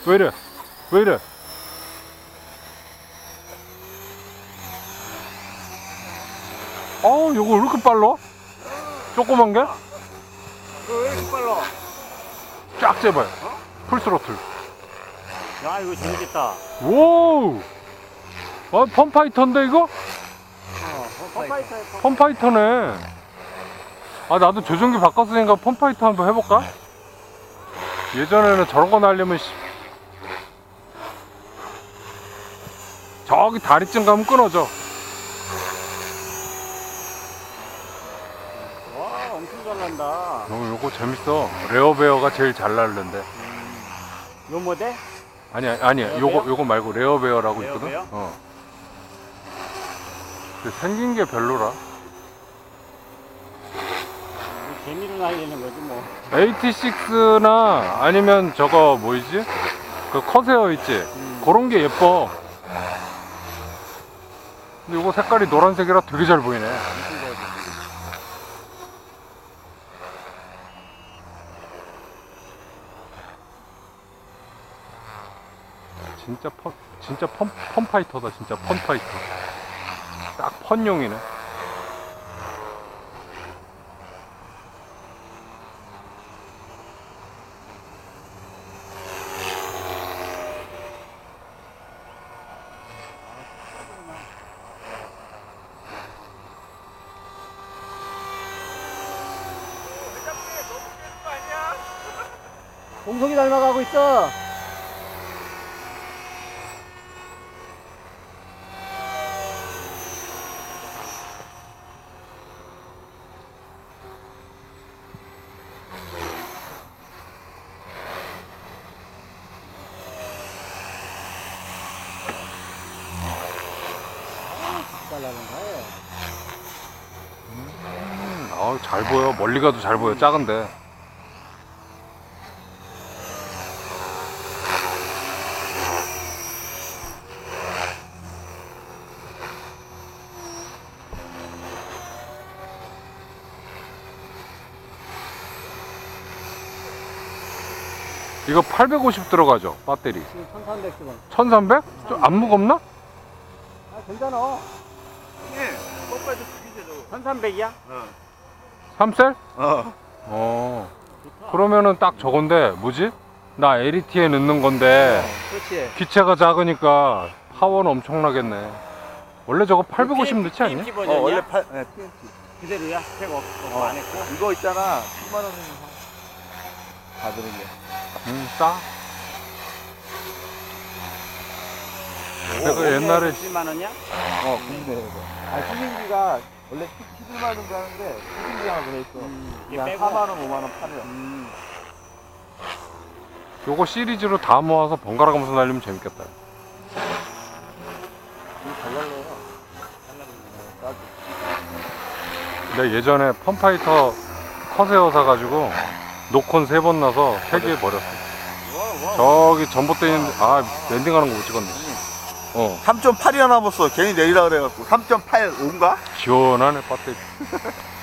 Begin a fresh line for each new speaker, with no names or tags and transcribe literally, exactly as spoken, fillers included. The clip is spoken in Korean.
왜 이래? 왜 이래? 어우, 요거 왜 이렇게 빨라? 조그만 게?
왜 이렇게 빨라?
쫙 재봐요. 풀스로틀.
야, 이거 재밌겠다.
오! 아, 펌파이터인데, 이거?
어, 펌파이터.
펌파이터네. 아, 나도 조종기 바꿨으니까 펌파이터 한번 해볼까? 예전에는 저런 거 날리면, 씨. 저기 다리쯤 가면 끊어져.
와, 엄청 잘 난다.
어, 요거 재밌어. 레어베어가 제일 잘 날는데.
음. 요 모델?
아니야, 아니야.
레어베어?
요거, 요거 말고 레어베어라고
레어베어?
있거든? 어. 근데 생긴 게 별로라.
재미로 날리는 거지, 뭐.
에이티식스나 아니면 저거 뭐이지? 그 커세어 있지?
음.
그런 게 예뻐. 근데 이거 색깔이 노란색이라 되게 잘 보이네.
엄청 잘 보이네.
진짜 펀, 진짜 펀, 펀파이터다. 진짜 펀파이터. 딱 펀용이네.
공석이 닮아가고 있어. 잘 나간다.
음, 아우, 잘 보여. 멀리 가도 잘 보여. 작은데. 이거 팔백오십 들어가죠? 배터리.
지금 천삼백 원.
천삼백? 좀 안 무겁나?
아, 괜찮아.
예, 뽀빠이도 죽이죠.
천삼백이야?
어.
삼 셀?
어.
어. 그러면은 딱 저건데, 뭐지? 나 엘이티에 넣는 건데,
그렇지.
기체가 작으니까 파워는 엄청나겠네. 원래 저거 팔백오십 넣지 않냐?
피엠씨
어,
버전이야?
원래 팔, 네, 피엠씨.
그대로야? 스펙 없,
어.
안 했고?
이거 있잖아. 십만 원이면 다 들은 게.
음, 싸. 내가 옛날에
십만 원이야?
어, 근데 이거. 아, 수신기가 원래 십일만 원 정도 하는데 수신기 하나 들어있어.
음, 이게
그냥
빼고.
사만 원, 오만 원 팔려.
음.
요거 시리즈로 다 모아서 번갈아 가면서 날리면 재밌겠다.
이거 잘 날려요. 어, 싸지.
내가 예전에 펌파이터 커세어 사가지고 노콘 세 번 나서 폐기해버렸어.
와, 와.
저기 전봇대 있는데, 아, 랜딩하는 거 못 찍었네. 어,
삼 점 팔이나 남았어. 괜히 내리라 그래갖고. 삼 점 팔 오인가?
시원하네, 배터리.